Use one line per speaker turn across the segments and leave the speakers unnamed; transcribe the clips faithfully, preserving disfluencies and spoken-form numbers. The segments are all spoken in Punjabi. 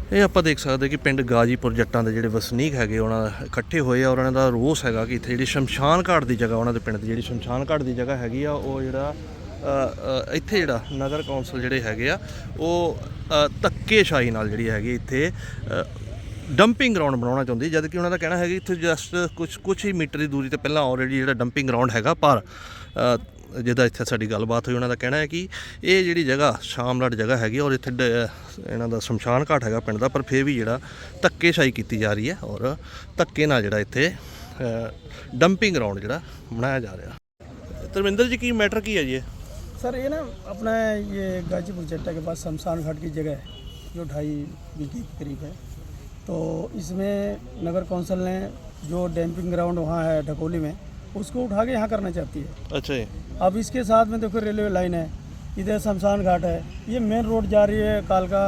ਇਹ ਆਪਾਂ ਦੇਖ ਸਕਦੇ ਕਿ ਪਿੰਡ ਗਾਜੀਪੁਰ ਜੱਟਾਂ ਦੇ ਜਿਹੜੇ ਵਸਨੀਕ ਹੈਗੇ ਉਹਨਾਂ ਦਾ ਇਕੱਠੇ ਹੋਏ ਆ ਔਰ ਉਹਨਾਂ ਦਾ ਰੋਸ ਹੈਗਾ ਕਿ ਇੱਥੇ ਜਿਹੜੀ ਸ਼ਮਸ਼ਾਨ ਘਾਟ ਦੀ ਜਗ੍ਹਾ ਉਹਨਾਂ ਦੇ ਪਿੰਡ ਦੀ ਜਿਹੜੀ ਸ਼ਮਸ਼ਾਨ ਘਾਟ ਦੀ ਜਗ੍ਹਾ ਹੈਗੀ ਆ ਉਹ ਜਿਹੜਾ ਇੱਥੇ ਜਿਹੜਾ ਨਗਰ ਕੌਂਸਲ ਜਿਹੜੇ ਹੈਗੇ ਆ ਉਹ ਧੱਕੇਸ਼ਾਹੀ ਨਾਲ ਜਿਹੜੀ ਹੈਗੀ ਇੱਥੇ ਡੰਪਿੰਗ ਗਰਾਊਂਡ ਬਣਾਉਣਾ ਚਾਹੁੰਦੀ, ਜਦ ਕਿ ਉਹਨਾਂ ਦਾ ਕਹਿਣਾ ਹੈ ਕਿ ਇੱਥੇ ਜਸਟ ਕੁਛ ਕੁਛ ਹੀ ਮੀਟਰ ਦੀ ਦੂਰੀ 'ਤੇ ਪਹਿਲਾਂ ਆਲਰੇਡੀ ਜਿਹੜਾ ਡੰਪਿੰਗ ਗਰਾਊਂਡ ਹੈਗਾ, ਪਰ ਜਿਹਦਾ ਇੱਥੇ ਸਾਡੀ ਗੱਲਬਾਤ ਹੋਈ ਉਹਨਾਂ ਦਾ ਕਹਿਣਾ ਹੈ ਕਿ ਇਹ ਜਿਹੜੀ ਜਗ੍ਹਾ ਸ਼ਾਮਲਾਟ ਜਗ੍ਹਾ ਹੈਗੀ ਔਰ ਇੱਥੇ ਇਹਨਾਂ ਦਾ ਸ਼ਮਸ਼ਾਨ ਘਾਟ ਹੈਗਾ ਪਿੰਡ ਦਾ, ਪਰ ਫਿਰ ਵੀ ਜਿਹੜਾ ਧੱਕੇਸ਼ਾਹੀ ਕੀਤੀ ਜਾ ਰਹੀ ਹੈ ਔਰ ਧੱਕੇ ਨਾਲ ਜਿਹੜਾ ਇੱਥੇ ਡੰਪਿੰਗ ਗਰਾਊਂਡ ਜਿਹੜਾ ਬਣਾਇਆ ਜਾ ਰਿਹਾ। ਧਰਮਿੰਦਰ ਜੀ, ਕੀ ਮੈਟਰ ਕੀ ਹੈ ਜੀ?
सर ये ना अपना ये गाजीपुर जट्टा के पास शमशान घाट की जगह है जो ढाई बीघे के करीब है। तो इसमें नगर कौंसिल ने जो डैम्पिंग ग्राउंड वहाँ है ढकोली में, उसको उठा के यहाँ करना चाहती है।
अच्छा जी।
अब इसके साथ में देखो रेलवे लाइन है, इधर शमशान घाट है, ये मेन रोड जा रही है कालका,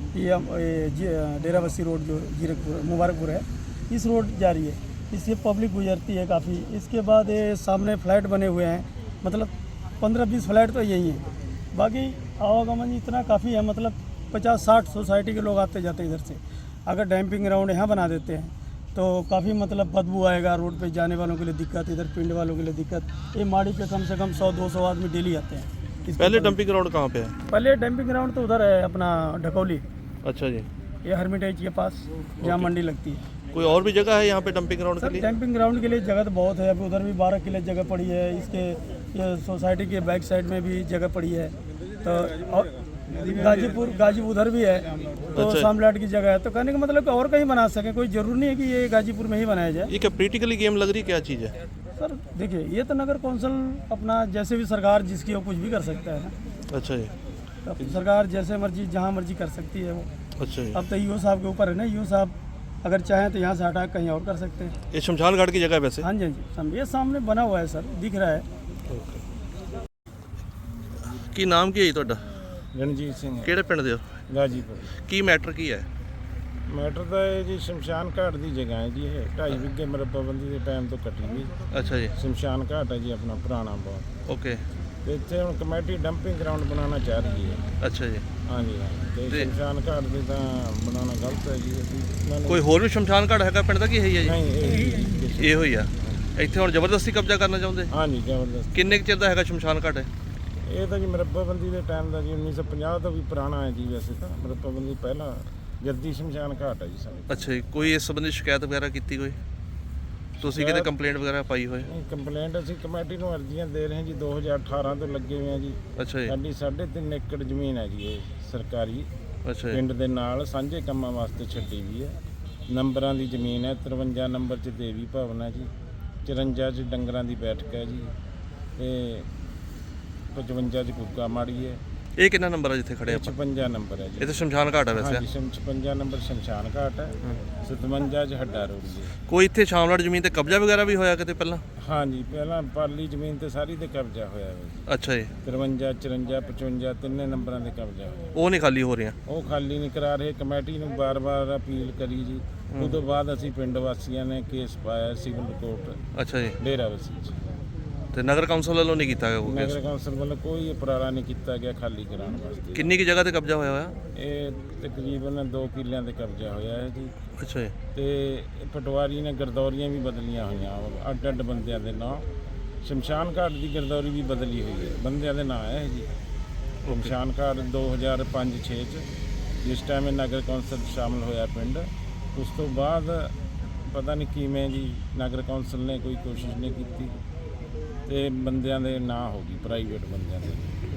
ये डेराबस्सी रोड जो जीरकपुर मुबारकपुर है, इस रोड जा रही है, इससे पब्लिक गुजरती है काफ़ी। इसके बाद ये सामने फ्लैट बने हुए हैं, मतलब पंद्रह बीस फ्लैट तो यही है, बाकी आवागमन इतना काफ़ी है, मतलब पचास साठ सोसाइटी के लोग आते जाते इधर से। अगर डैम्पिंग ग्राउंड यहाँ बना देते हैं तो काफ़ी मतलब बदबू आएगा, रोड पे जाने वालों के लिए दिक्कत, इधर पिंड वालों के लिए दिक्कत। ये माड़ी पे कम से कम सौ दो सौ आदमी डेली आते हैं।
पहले डंपिंग ग्राउंड कहाँ पे है?
पहले डैम्पिंग ग्राउंड तो उधर है अपना ढकोली।
अच्छा जी।
ये हरमिटेज के पास जहाँ मंडी लगती है।
कोई और भी जगह है यहाँ पे डंपिंग ग्राउंड के लिए?
डैम्पिंग ग्राउंड के लिए जगह तो बहुत है, अभी उधर भी बारह किले जगह पड़ी है, इसके ये सोसाइटी के बैक साइड में भी जगह पड़ी है। तो और गाजीपुर गाजीपुर उधर भी है, तो
अच्छा।
सामलाट की जगह है, तो कहने का मतलब कि और कहीं बना सके, कोई जरूरी नहीं है कि ये गाजीपुर में ही बनाया जाए।
ये क्या प्रैक्टिकली गेम लग रही, क्या चीज़ है
सर? देखिए, ये तो नगर कौंसिल अपना जैसे भी सरकार जिसकी हो कुछ भी कर सकता है ना।
अच्छा जी।
तो सरकार जैसे मर्जी जहाँ मर्जी कर सकती है वो।
अच्छा जी।
अब तो ईओ साहब के ऊपर है ना, ईओ साहब अगर चाहें तो यहाँ से हटा कहीं और कर सकते हैं।
ये शमशान घाट की जगह है वैसे?
हाँ जी, हाँ जी, सम- ये सामने बना हुआ है सर, दिख रहा है।
ਕੀ ਨਾਮ ਕੀ ਹੈ ਜੀ ਤੁਹਾਡਾ?
ਰਣਜੀਤ ਸਿੰਘ ਹੈ,
ਕਿਹੜੇ ਪਿੰਡ ਦੇ ਹੋ?
ਗਾਜੀਪੁਰ।
ਕੀ ਮੈਟਰ ਕੀ ਹੈ?
ਮੈਟਰ ਤਾਂ ਇਹ ਜੀ ਸ਼ਮਸ਼ਾਨ ਘਾਟ ਦੀ ਜਗ੍ਹਾ ਹੈ ਜੀ, ਇਹ ਢਾਈ ਵਿਗੇ ਮਰਬੱਬੰਦੀ ਦੇ ਟਾਈਮ ਤੋਂ ਕੱਟੀ ਹੋਈ
ਅੱਛਾ ਜੀ।
ਸ਼ਮਸ਼ਾਨ ਘਾਟ ਹੈ ਜੀ ਆਪਣਾ ਪੁਰਾਣਾ ਬਹੁਤ।
ਓਕੇ।
ਤੇ ਇੱਥੇ ਹੁਣ ਕਮੇਟੀ ਡੰਪਿੰਗ ਗਰਾਊਂਡ ਬਣਾਉਣਾ ਚਾਹ ਰਹੀ ਹੈ।
ਅੱਛਾ ਜੀ।
ਹਾਂਜੀ ਹਾਂ, ਤੇ
ਤੇ-
ਸ਼ਮਸ਼ਾਨ ਘਾਟ ਦੇ ਤਾਂ ਬਣਾਉਣਾ ਗਲਤ ਹੈ ਜੀ। ਅਸੀਂ ਇਹਨਾਂ ਨੂੰ-
ਕੋਈ ਹੋਰ ਵੀ ਸ਼ਮਸ਼ਾਨ ਘਾਟ ਹੈਗਾ ਪਿੰਡ ਦਾ ਕੀ ਹੈ ਜੀ?
ਨਹੀਂ, ਇਹ
ਇਹੋ ਹੀ ਆ। ਇੱਥੇ ਹੁਣ ਜ਼ਬਰਦਸਤੀ ਕਬਜ਼ਾ ਕਰਨਾ ਚਾਹੁੰਦੇ?
ਹਾਂਜੀ ਜ਼ਬਰਦਸਤ।
ਕਿੰਨੇ ਕੁ ਚਿਰ ਦਾ ਹੈਗਾ ਸ਼ਮਸ਼ਾਨ ਘਾਟ?
ਇਹ ਤਾਂ ਜੀ ਮਰਬੱਬੰਦੀ ਦੇ ਟਾਈਮ ਦਾ ਜੀ, ਉੱਨੀ ਸੌ ਪੰਜਾਹ ਤੋਂ ਵੀ ਪੁਰਾਣਾ ਹੈ ਜੀ। ਵੈਸੇ ਤਾਂ ਮਰਬੱਬੰਦੀ ਪਹਿਲਾਂ ਜੱਦੀ ਸ਼ਮਸ਼ਾਨ ਘਾਟ ਹੈ ਜੀ ਸਾਡੇ।
ਅੱਛਾ ਜੀ। ਕੋਈ ਇਸ ਸੰਬੰਧੀ ਸ਼ਿਕਾਇਤ ਵਗੈਰਾ ਕੀਤੀ ਕੋਈ? ਤੁਸੀਂ ਕਿਤੇ ਕੰਪਲੇਂਟ ਵਗੈਰਾ ਪਾਈ ਹੋਏ?
ਨਹੀਂ, ਕੰਪਲੇਂਟ ਅਸੀਂ ਕਮੇਟੀ ਨੂੰ ਅਰਜ਼ੀਆਂ ਦੇ ਰਹੇ ਹਾਂ ਜੀ, ਦੋ ਹਜ਼ਾਰ ਅਠਾਰਾਂ ਤੋਂ ਲੱਗੇ ਹੋਏ ਹਾਂ ਜੀ।
ਅੱਛਾ ਜੀ।
ਸਾਡੀ ਸਾਢੇ ਤਿੰਨ ਏਕੜ ਜ਼ਮੀਨ ਹੈ ਜੀ, ਇਹ ਸਰਕਾਰੀ
ਅੱਛਾ ਜੀ।
ਪਿੰਡ ਦੇ ਨਾਲ ਸਾਂਝੇ ਕੰਮਾਂ ਵਾਸਤੇ ਛੱਡੀ ਵੀ ਹੈ। ਨੰਬਰਾਂ ਦੀ ਜ਼ਮੀਨ ਹੈ, ਤਰਵੰਜਾ ਨੰਬਰ 'ਚ ਦੇਵੀ ਭਵਨ ਹੈ ਜੀ, ਚੁਰੰਜਾ 'ਚ ਡੰਗਰਾਂ ਦੀ ਬੈਠਕ ਹੈ ਜੀ, ਤੇ ਪਚਵੰਜਾ 'ਚ ਕੁੱਕਾ ਮਾੜੀ ਹੈ।
ਇਹ ਕਿੰਨਾ ਨੰਬਰ ਆ ਜਿੱਥੇ ਖੜੇ ਆਪਾਂ?
ਛਪੰਜਾ ਨੰਬਰ ਹੈ
ਇਹ
ਜੀ।
ਤਾਂ ਸ਼ਮਸ਼ਾਨ ਘਾਟ ਹੈ ਵੈਸੇ?
ਹਾਂਜੀ, ਸ਼ਮ- ਛਪੰਜਾ ਨੰਬਰ ਸ਼ਮਸ਼ਾਨ ਘਾਟ ਹੈ, ਸਤਵੰਜਾ 'ਚ ਹੱਡਾ ਰੋਡ ਜੀ।
ਕੋਈ ਇੱਥੇ ਸ਼ਾਮਲਾਟ ਜ਼ਮੀਨ ਤੇ ਕਬਜ਼ਾ ਵਗੈਰਾ ਵੀ ਹੋਇਆ ਕਿਤੇ ਪਹਿਲਾਂ?
ਹਾਂਜੀ, ਪਹਿਲਾਂ ਪਾਲੀ ਜ਼ਮੀਨ ਤੇ ਸਾਰੀ ਤੇ ਕਬਜ਼ਾ ਹੋਇਆ ਹੈ ਜੀ।
ਅੱਛਾ ਜੀ।
ਤਰਵੰਜਾ, ਚੁਰੰਜਾ, ਪਚਵੰਜਾ ਤਿੰਨੇ ਨੰਬਰਾਂ ਦੇ ਕਬਜ਼ਾ ਹੋਇਆ।
ਉਹ ਨਹੀਂ ਖਾਲੀ ਹੋ ਰਹੀਆਂ?
ਉਹ ਖਾਲੀ ਨਹੀਂ ਕਰਾ ਰਹੇ। ਕਮੇਟੀ ਨੂੰ ਬਾਰ-ਬਾਰ ਅਪੀਲ ਕਰੀ ਜੀ, ਉਸ ਤੋਂ ਬਾਅਦ ਅਸੀਂ ਪਿੰਡ ਵਾਸੀਆਂ ਨੇ ਕੇਸ ਪਾਇਆ ਸਿਵਲ ਕੋਰਟ
ਅੱਛਾ ਜੀ।
ਡੇਰਾਬੱਸੀ 'ਚ।
ਤੇ ਨਗਰ ਕੌਂਸਲ ਵੱਲੋਂ ਨਹੀਂ ਕੀਤਾ ਗਿਆ ਕੋਈ ਕੇਸ?
ਨਗਰ ਕੌਂਸਲ ਵੱਲੋਂ ਕੋਈ ਉਪਰਾਲਾ ਨਹੀਂ ਕੀਤਾ ਗਿਆ ਖਾਲੀ ਕਰਾਉਣ ਵਾਸਤੇ।
ਕਿੰਨੀ ਕੁ ਜਗ੍ਹਾ ਤੇ ਕਬਜ਼ਾ ਹੋਇਆ ਹੋਇਆ?
ਇਹ ਤਕਰੀਬਨ ਦੋ ਕਿੱਲਿਆਂ ਤੇ ਕਬਜ਼ਾ ਹੋਇਆ ਹੈ ਜੀ।
ਅੱਛਾ ਜੀ।
ਤੇ ਇਹ ਪਟਵਾਰੀ ਨੇ ਗਰਦੌਰੀਆਂ ਵੀ ਬਦਲੀਆਂ ਹੋਈਆਂ, ਅੱਡ ਅੱਡ ਬੰਦਿਆਂ ਦੇ ਨਾਂ। ਸ਼ਮਸ਼ਾਨ ਘਾਟ ਦੀ ਗਰਦੌਰੀ ਵੀ ਬਦਲੀ ਹੋਈ ਹੈ, ਬੰਦਿਆਂ ਦੇ ਨਾਂ ਹੈ ਜੀ। ਸ਼ਮਸ਼ਾਨ ਘਾਟ ਦੋ ਹਜ਼ਾਰ ਪੰਜ ਛੇ 'ਚ ਜਿਸ ਟਾਈਮ ਇਹ ਨਗਰ ਕੌਂਸਲ ਸ਼ਾਮਲ ਹੋਇਆ ਪਿੰਡ, ਉਸ ਤੋਂ ਬਾਅਦ ਪਤਾ ਨਹੀਂ ਕਿਵੇਂ ਜੀ ਨਗਰ ਕੌਂਸਲ ਨੇ ਕੋਈ ਕੋਸ਼ਿਸ਼ ਨਹੀਂ ਕੀਤੀ ਤੇ ਬੰਦਿਆਂ ਦੇ ਨਾਂ ਹੋ ਗਈ, ਪ੍ਰਾਈਵੇਟ ਬੰਦਿਆਂ ਦੇ।